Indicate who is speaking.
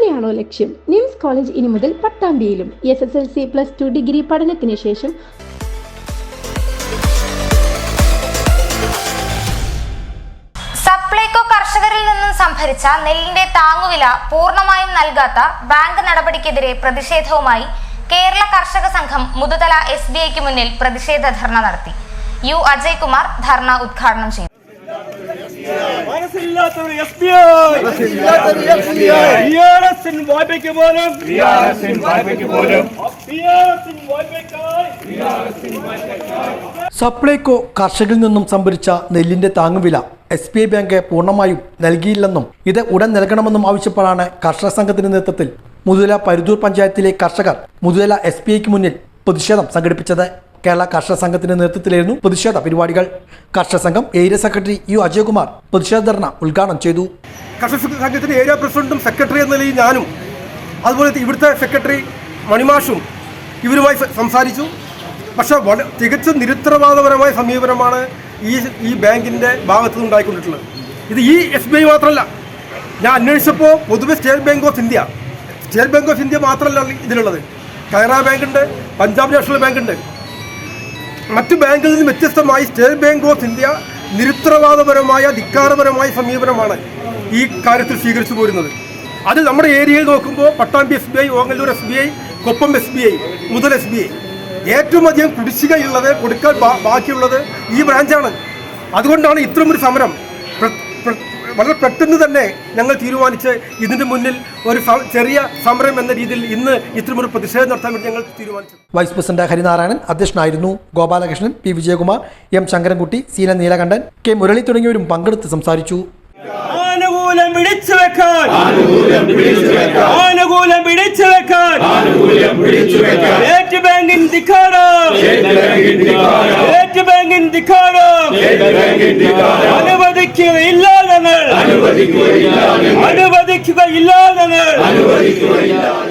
Speaker 1: തന്നെയാണോ ലക്ഷ്യം? Nymphs college ഇനി മുതൽ പട്ടാമ്പിയിലും. SSLC +2 ഡിഗ്രി പഠനത്തിന് ശേഷം
Speaker 2: സപ്ലൈകോ കർഷകരിൽ നിന്നും സംഭരിച്ച നെല്ലിന്റെ താങ്ങുവില പൂർണ്ണമായും നൽകാത്ത ബാങ്ക് നടപടിക്കെതിരെ പ്രതിഷേധവുമായി കേരള കർഷക സംഘം മുതുതല SBIക്ക് മുന്നിൽ പ്രതിഷേധ ധർണ നടത്തി. U. അജയ്കുമാർ ധർണ ഉദ്ഘാടനം ചെയ്തു.
Speaker 3: സപ്ലൈകോ കർഷകരിൽ നിന്നും സംഭരിച്ച നെല്ലിന്റെ താങ്ങുവില SBI ബാങ്ക് പൂർണ്ണമായും നൽകിയില്ലെന്നും ഇത് ഉടൻ നൽകണമെന്നും ആവശ്യപ്പെടാണ് കർഷക സംഘത്തിന്റെ നേതൃത്വത്തിൽ മുതുതല പരുതൂർ പഞ്ചായത്തിലെ കർഷകർ മുതുതല SBIക്ക് മുന്നിൽ പ്രതിഷേധം സംഘടിപ്പിച്ചത്. കേരള കർഷക സംഘത്തിന്റെ നേതൃത്വത്തിലായിരുന്നു പ്രതിഷേധ പരിപാടികൾ. കർഷക സംഘം ഏരിയ സെക്രട്ടറി U. അജയ്കുമാർ പ്രതിഷേധ ധർണ ഉദ്ഘാടനം ചെയ്തു.
Speaker 4: കർഷക സംഘത്തിന്റെ ഏരിയ പ്രസിഡന്റും സെക്രട്ടറി എന്ന നിലയിൽ ഞാനും അതുപോലെ ഇവിടുത്തെ സെക്രട്ടറി മണിമാഷും ഇവരുമായി സംസാരിച്ചു. പക്ഷേ തികച്ചും നിരുത്തരവാദപരമായ സമീപനമാണ് ഈ ബാങ്കിൻ്റെ ഭാഗത്തു നിന്നുണ്ടായിക്കൊണ്ടിട്ടുള്ളത്. ഇത് ഈ SBI മാത്രമല്ല, ഞാൻ അന്വേഷിച്ചപ്പോൾ പൊതുവെ സ്റ്റേറ്റ് ബാങ്ക് ഓഫ് ഇന്ത്യ മാത്രമല്ല ഇതിലുള്ളത്. കനറ ബാങ്ക് ഉണ്ട്, പഞ്ചാബ് നാഷണൽ ബാങ്ക് ഉണ്ട്. മറ്റു ബാങ്കുകളിൽ നിന്ന് വ്യത്യസ്തമായി സ്റ്റേറ്റ് ബാങ്ക് ഓഫ് ഇന്ത്യ നിരുത്തരവാദപരമായ ധിക്കാരപരമായ സമീപനമാണ് ഈ കാര്യത്തിൽ സ്വീകരിച്ചു പോരുന്നത്. അത് നമ്മുടെ ഏരിയയിൽ നോക്കുമ്പോൾ Pattambi SBI, Ongallur SBI, Koppam SBI, മുതൽ SBI ഏറ്റവും അധികം കുടിശ്ശികയുള്ളത്, കൊടുക്കാൻ ബാക്കിയുള്ളത് ഈ ബ്രാഞ്ചാണ്. അതുകൊണ്ടാണ് ഇത്തരമൊരു സമരം വളരെ പെട്ടെന്ന് തന്നെ ഞങ്ങൾ തീരുമാനിച്ച് ഇതിന്റെ മുന്നിൽ ഒരു ചെറിയ സമരം എന്ന രീതിയിൽ ഇന്ന് ഇത്തരമൊരു പ്രതിഷേധം നടത്താൻ വേണ്ടി ഞങ്ങൾ തീരുമാനിച്ചു.
Speaker 3: വൈസ് പ്രസിഡന്റ് ഹരിനാരായണൻ അധ്യക്ഷനായിരുന്നു. Gopalakrishnan, P. Vijayakumar, M. Sankarankutty, C. Neelakantan, K. Murali തുടങ്ങിയവരും പങ്കെടുത്ത് സംസാരിച്ചു.
Speaker 5: ആനുകൂല്യം പിടിച്ചു വെക്കാൻ സ്റ്റേറ്റ് ബാങ്കിൻ ധിക്കാരം, അനുവദിക്കുകയില്ല ഞങ്ങൾ.